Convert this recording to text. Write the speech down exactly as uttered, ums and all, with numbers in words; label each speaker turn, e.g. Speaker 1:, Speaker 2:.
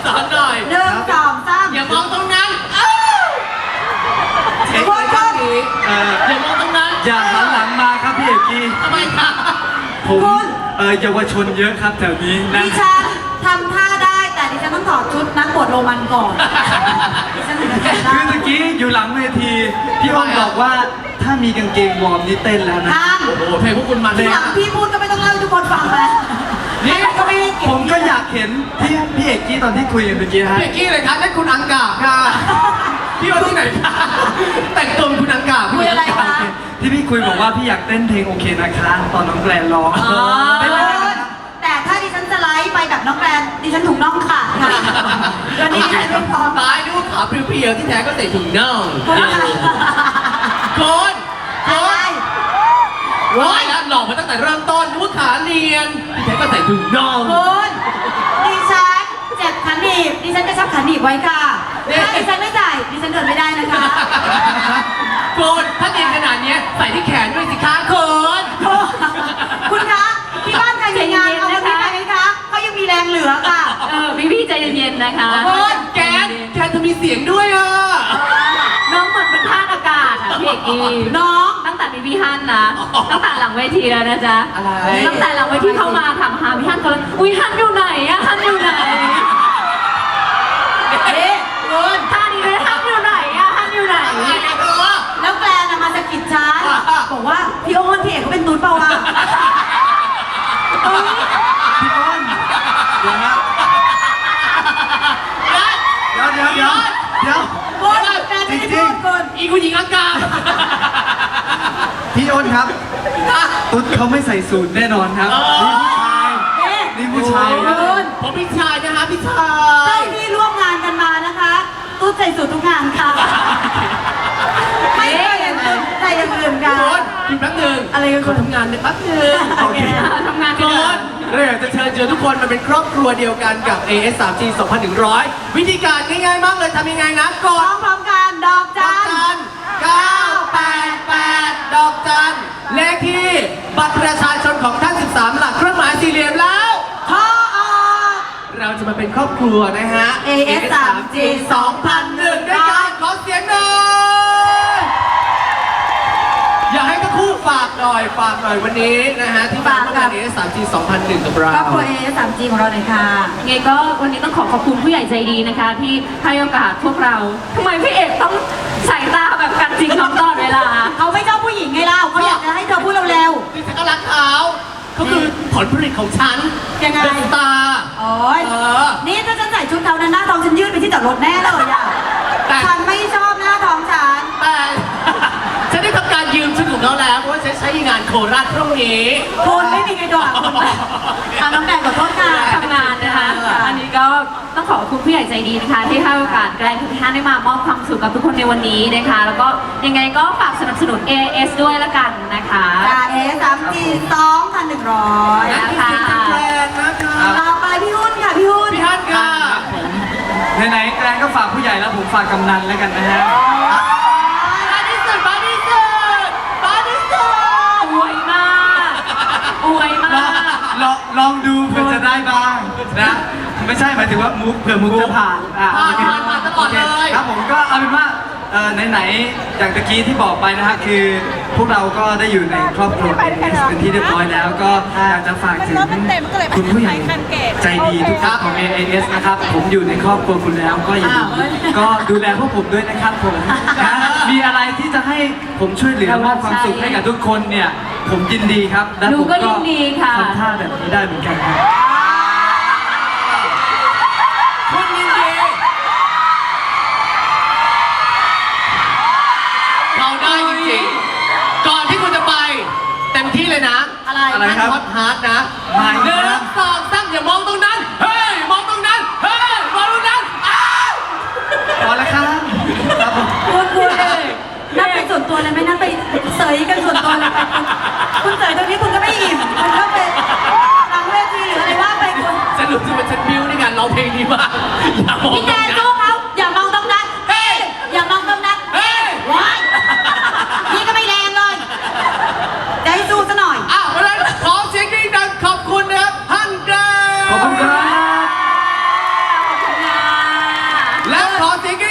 Speaker 1: สอนหน่อย
Speaker 2: หนึ่งสองสาม
Speaker 1: อย่ามองตรงนั้นเช็ค
Speaker 2: ค
Speaker 1: เลย
Speaker 2: น
Speaker 1: ข้าง
Speaker 2: ๆ
Speaker 1: นี้อย่ามองตรงนั้น
Speaker 3: อย่าหันหลังมาครับพี่เอกกี้
Speaker 1: ทำไมคะ
Speaker 3: ผมเออเยาวชนเยอะครับแถวนี้นะ
Speaker 2: ดิฉันทำท่าได้แต่ดิฉันต้องถอดชุดนักบวชโรมันก่อนดิฉันถึงจะทำได้
Speaker 3: คือเมื่อกี้อยู่หลังเวทีพี่อ้นบอกว่าถ้ามีกางเกงวอร์มนี่เต้นแล้วนะ
Speaker 2: ท่าน
Speaker 1: โอ้โหเพลงพวกคุณมันเล
Speaker 2: ที
Speaker 1: ย
Speaker 2: หลังพี่พูดก็ไม่ต้องเล่าให้ทุกคนฟังแล้ว
Speaker 1: นี่
Speaker 2: ก็ไม่ได้เก็บ
Speaker 3: ผมก็อยากเห็นพี่พี่เอกกี้ตอนที่คุยกันเมื่อกี้ฮะ
Speaker 1: เบกกี้เลยครับนั่นคุณอังกาบค่ะพี่ว่าที่ไหนคะแต่งตัวเป็นคุณอังกาบ
Speaker 2: คุยอะไรคะ
Speaker 3: ที่พี่คุยบอกว่าพี่อยากเต้นเพลงโอเคนะคะตอนน้องแกรนร้อง
Speaker 2: อ๋อ
Speaker 3: เต้นเลยนะครับ
Speaker 2: แต่ถ้าดิฉันสไลด์ไปแบบน้องแกรนดิฉันถูกน้องขาดค่ะวันนี้ดิฉันไม่พร้อม
Speaker 1: ตายดูขาเพียวๆที่แท้ก็ใส่ถุงน่อง
Speaker 2: คุณ
Speaker 1: โกนโก
Speaker 2: อะไร
Speaker 1: นร้อยแล้วหลอกมาตั้งแต่เริ่มต้นนึกว่าขาเนียนที่แท้ก็ใส่ถุงน่อง
Speaker 2: คุณดิฉันเจ็บขันหนีบดิฉันจะชับขันหนีบไว้ค่ะถ้าดิฉันไม่จ่ายดิฉันเดินไม่ได้นะคะ
Speaker 1: โกนถ้าเนียนขนาดนี้ใส่ที่แขนด้วยสิคะโกน
Speaker 2: คุณคะที่บ้านใครมีงานเอาคนนี้ไปไหมคะเขายังมีแรงเหลือค่ะ
Speaker 4: เออพี่พี่ใจเย็นๆนะคะ
Speaker 1: โกนแกนแกนจะมีเสียงด้วยอ่ะ
Speaker 4: น้องเหมือนเป็นท่าอากาศอ่ะพี่เอกกี้
Speaker 2: น้อง
Speaker 4: ตั้งแต่มีพี่ฮันนะตั้งแต่หลังเวทีแล้วนะจ๊ะ
Speaker 1: อะไร
Speaker 4: ตั้งแต่หลังเวทีเข้ามาถามหาพี่ฮันก็เลยอุ้ยฮันอยู่ไหนอะฮันอยู่ไหน
Speaker 2: เอ๊ะคุณ
Speaker 4: ท่านี้เลยฮันอยู่ไหนอะฮันอยู่ไหน
Speaker 1: อะไรกันเธอ
Speaker 2: แล้วแกลนมาสะกิดฉันบอกว่าพี่โอ้นพี่เอกเขาเป็นตุ๊ดเปล่าวะ
Speaker 3: พี่อ้นเดี๋ยวนะเดี๋ยวเดี๋ยวเดี๋ยวเดี๋ยว
Speaker 2: คุณแกลนไม่ได้พูดคุณ
Speaker 1: อีคุณหญิงอังกาบ
Speaker 3: พี่อ้นครับตุ๊ดเขาไม่ใส่สูทแน่นอนครับ
Speaker 1: เออ
Speaker 3: นี่ผู้ชาย
Speaker 2: เอ๊ะ
Speaker 3: นี่ผู้ชายครับ
Speaker 2: คุณ
Speaker 1: ผมพี่ชายนะคะพี่ชา
Speaker 2: เท่าย ที่ร่วมงานกันมานะคะตุ๊ดใส่สูททุกงานค่ะไม่เคยเห็นตุ๊ดใส่อย่างอื่นค่ะ
Speaker 1: โกนคุณแป๊บหนึง
Speaker 2: อะไรกัน
Speaker 1: เขาทำงานเนี่ยแป๊บหนึง
Speaker 2: โอเค
Speaker 4: ทำงาน
Speaker 1: โก
Speaker 4: กัน
Speaker 1: นเราอยากจะเชิญเชิญทุกคนมาเป็นครอบครัวเดียวกันกับ เอ เอส สาม จี สองพันหนึ่งร้อย วิธีการง่ายๆมากเลยทำยังไงนะก
Speaker 2: พร้อ
Speaker 1: ด
Speaker 2: มพร้อมกันดอก
Speaker 1: ดอ
Speaker 2: จั
Speaker 1: ก
Speaker 2: น
Speaker 1: จันเก้าแปดแปดดอกจันเลขที่บัตรประชาชนของท่าน สิบสาม หลักเครื่องหมายสี่เหลี่ยมแล้ว
Speaker 2: พอออก
Speaker 1: เราจะมาเป็นครอบครัวนะฮะ
Speaker 2: เอ เอส สาม จี
Speaker 1: สองพันหนึ่งด้วยกันขอเสียงหน่อยอยากให้ทั้งคู่ฝากหน่อยฝากหน่อยวันนี้นะฮะที่มาร่วมงาน เอ เอส สาม จี สองพันหนึ่งกับเรา
Speaker 2: ครอบครัว เอ เอส สาม จี ของเราหน่อยค่ะ
Speaker 4: ไงก็วันนี้ต้องขอขอบคุณผู้ใหญ่ใจดีนะคะ ที่ให้โอกาสพวกเราทำไมพี่เอกต้องสายตาแบบกันจริงน้องตลอดเวลา
Speaker 2: เขาไม่ชอบผู้หญิงไงเล่าเขาอยากจะให้เธอพูดเร็ว
Speaker 1: ที่ฉันก็รักเขาเขาคือผลผลิตของฉัน
Speaker 2: ยังไง
Speaker 1: เป็นสตาร์
Speaker 2: ๆโอ้ย
Speaker 1: เออ
Speaker 2: นี่ถ้าฉันใส่ชุดเขานั้นหน้าท้องฉันยืดไปที่จอดรถแน่เลยอ่ะ
Speaker 1: แต่
Speaker 2: ฉันไม่ชอบหน้าท้องฉัน
Speaker 1: แต่ ฉันได้ทำการยืมชุดของเขาแล้วเพราะว่าฉันใช้งานโคราชพรุ่งนี้
Speaker 2: คุณไม่มีใครโดนอ่ะคุณอ่ะน้องแดงขอโทษค่ะ
Speaker 4: ทำงานนะคะ อันนี้ก็ต้องขอบคุณผู้ใหญ่ใจดีนะคะ ที่ให้โอกาสแกรนด์ทุกท่านได้มามอบความสุขกับทุกคนในวันนี้นะคะ แล้วก็ยังไงก็ฝากสนับสนุน เอ เอส ด้วยละกันนะคะ
Speaker 2: จ่าเอสามจีสองพันหนึ่งร้อย
Speaker 1: และที่เป็นแฟนนะคะ
Speaker 2: ต่อไปพี่หุ้นค่ะพี่หุ้น
Speaker 1: พี่ฮันค่ะ
Speaker 3: ไหนๆแกรนก็ฝากผู้ใหญ่แล้วผมฝากกำนันแล้วกันนะฮะ
Speaker 1: บ้านที่สุดบ้านที่สุดบ้านที่สุด
Speaker 4: อวยมาก อวยมาก
Speaker 3: ลองลองดูเผื่อจะได้บ้างนะไม่ใช่หมายถึงว่ามุกเผื่อมุกจะผ่านอ่ะ
Speaker 1: ผ่าน
Speaker 3: โอเค
Speaker 1: ผ่านผ่านตลอดเลย
Speaker 3: ครับผมก็เอาเป็นว่าเอ่อไหนๆอย่างตะกี้ที่บอกไปนะฮะคือพวกเราก็ได้อยู่ในครอบครัว เอ เอส เป็นที่เรียบร้อยแล้วก็อยากจะฝากถึงคุณผู้ใหญ่ใจดีทุกท่านของ เอ เอส นะครับผมอยู่ในครอบครัวคุณแล้วก็อย่าลืมก็ดูแลพวกผมด้วยนะครับผมนะมีอะไรที่จะให้ผมช่วยเหลือมอบความสุขให้กับทุกคนเนี่ยผมยินดีครับและ
Speaker 4: หนู
Speaker 3: ผม
Speaker 4: ก็ยินดีค่ะ
Speaker 3: ทำท่าแบบนี้ได้เหมือนกันครับ
Speaker 1: คุณยินดีเราได้จริงๆก่อนที่คุณจะไป เต็มที่เลยนะ
Speaker 2: อะไร
Speaker 3: อะไรครับ
Speaker 1: ฮอตฮาร์ดนะ
Speaker 3: ไม่
Speaker 1: หนึ่งสองสามอย่ามองตรงนั้น เฮ้ย มองตรงนั้น เฮ้ย มองตรงนั้น อ้าว
Speaker 3: พอแล้วครับครับผม
Speaker 2: คุณคุณนั่นเป็นส่วนตัวเลยไหมนั่นไปเสยกันส่วนตัวเลยไปคุณเสยตรงนี้คุณก็ไม่อิ่มคุณก็ไปหลังเวทีหรืออะไรว่าไปคุณ
Speaker 1: ฉันรู้สึกว่าฉันบิวในการร้องเพลงนี้มากอย่ามอง
Speaker 2: พี่
Speaker 1: ต
Speaker 2: แด
Speaker 1: รง
Speaker 2: น
Speaker 1: นั้น
Speaker 2: สู้เขาอย่ามองตรงนั้น
Speaker 1: เฮ้ย
Speaker 2: อย่ามองตรงนั้น
Speaker 1: เฮ้ย
Speaker 2: ว้ายนี่ก็ไม่แรงเลยจะให้สู้ซะหน่อย
Speaker 1: อ้าวเพราะฉะนั้นขอเสียงดังๆขอบคุณนะครับฮันเดอร์
Speaker 3: ขอบคุณครับ
Speaker 4: ขอบคุณนะ
Speaker 1: ขอเสียงก